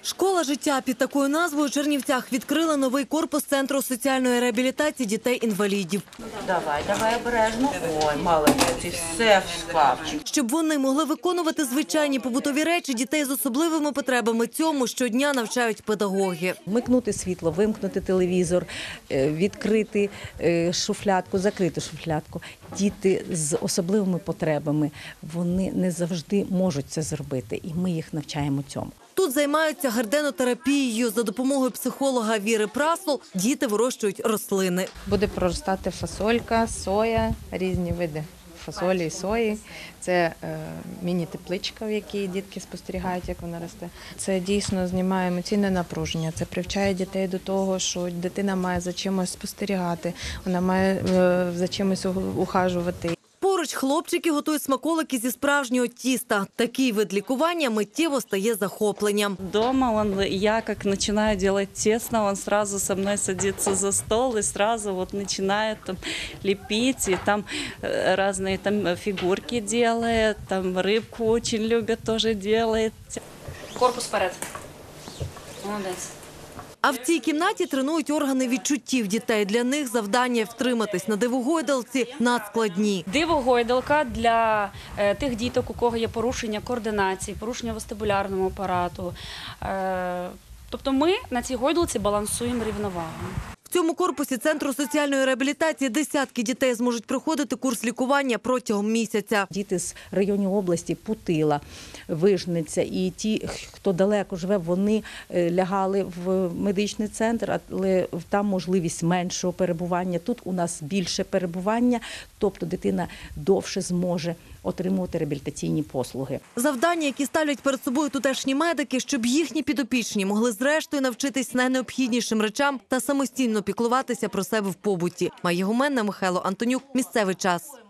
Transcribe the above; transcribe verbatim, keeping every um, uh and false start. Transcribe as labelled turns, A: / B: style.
A: Школа життя під такою назвою у Чернівцях відкрила новий корпус Центру соціальної реабілітації дітей-інвалідів.
B: Давай, давай обережно. Ой, молодець, і все в шкафчик.
A: Щоб вони могли виконувати звичайні побутові речі, дітей з особливими потребами цьому щодня навчають педагоги.
C: Вмикнути світло, вимкнути телевізор, відкрити шуфлядку, закрити шуфлядку. Діти з особливими потребами, вони не завжди можуть це зробити, і ми їх навчаємо цьому.
A: Тут займаються гарденотерапією. За допомогою психолога Віри Прасол діти вирощують рослини.
D: Буде проростати фасолька, соя, різні види фасолі і сої. Це е, міні-тепличка, в якій дітки спостерігають, як вона росте. Це дійсно знімає емоційне напруження. Це привчає дітей до того, що дитина має за чимось спостерігати, вона має е, за чимось ухажувати.
A: Поруч хлопчики готують смаколики зі справжнього тіста. Такий вид лікування миттєво стає захопленням.
E: Дома он, я как начинаю делать тесто, он сразу со мной садится за стол и сразу вот начинает там лепить, и там разные там фигурки делает, там рыбку очень любит, тоже делает.
F: Корпус вперед. Молодець.
A: А в цій кімнаті тренують органи відчуттів дітей. Для них завдання втриматись на дивогойдалці надскладні.
F: Дивогойдалка для е, тих діток, у кого є порушення координації, порушення вестибулярного апарату. Е, тобто ми на цій гойдалці балансуємо рівновагу.
A: В цьому корпусі Центру соціальної реабілітації десятки дітей зможуть проходити курс лікування протягом місяця.
C: Діти з районів області Путила, Вижниця і ті, хто далеко живе, вони лягали в медичний центр, але там можливість меншого перебування. Тут у нас більше перебування, тобто дитина довше зможе отримувати реабілітаційні послуги.
A: Завдання, які ставлять перед собою тутешні медики, щоб їхні підопічні могли зрештою навчитись найнеобхіднішим речам та самостійно піклуватися про себе в побуті. Майя Гуменна, Михайло Антонюк. Місцевий час.